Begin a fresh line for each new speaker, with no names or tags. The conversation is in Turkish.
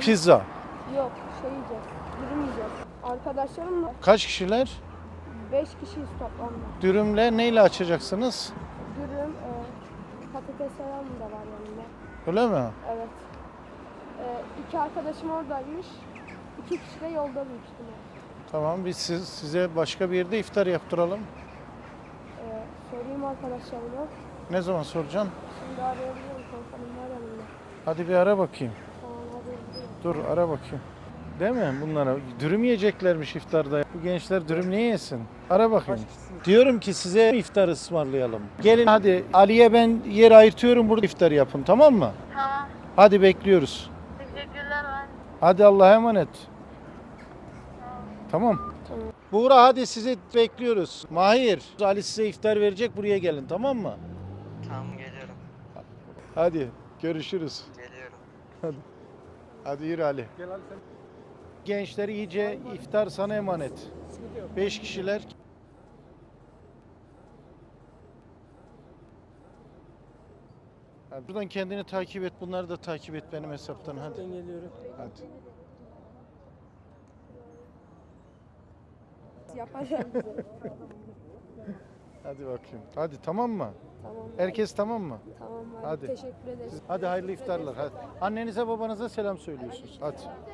Pizza.
Yok, şey yiyeceğiz. Dürüm yiyeceğiz. Arkadaşlarımla
Kaç kişiler?
5 kişiyiz toplamda.
Dürümle neyle açacaksınız?
Dürüm, patates salam da var yanında.
Öyle mi?
Evet. 2 arkadaşım oradaymış. 2 kişi de yolda büyük ihtimal.
Tamam, biz size başka bir yerde iftar yaptıralım.
Sorayım arkadaşlarıma.
Ne zaman soracaksın?
Şimdi arayabilirim. Telefonum var yanımda.
Hadi bir ara bakayım.
Tamam, arayabilirim.
Dur ara bakayım. Değil mi bunlara? Dürüm yiyeceklermiş iftarda. Bu gençler dürüm niye yesin? Ara bakayım. Diyorum ki size iftar ısmarlayalım. Gelin hadi, Ali'ye ben yer ayırtıyorum, burada iftar yapın, tamam mı?
Tamam.
Hadi bekliyoruz.
Teşekkürler ben.
Hadi Allah'a emanet. Tamam.
Tamam.
Buğra hadi sizi bekliyoruz. Mahir, Ali size iftar verecek, buraya gelin, tamam mı?
Tamam geliyorum.
Hadi görüşürüz.
Geliyorum.
Hadi yürü Ali. Gençler iyice, iftar sana emanet. 5 kişiler. Hadi. Buradan kendini takip et. Bunları da takip et benim hesaptan. Hadi.
Ben geliyorum.
Hadi.
Yapacağım bize.
Hadi bakayım. Hadi tamam mı?
Tamam.
Herkes tamam mı?
Tamam abi.
Hadi.
Teşekkür ederiz.
Hadi hayırlı iftarlar. Hadi. Annenize babanıza selam söylüyorsunuz. Hadi.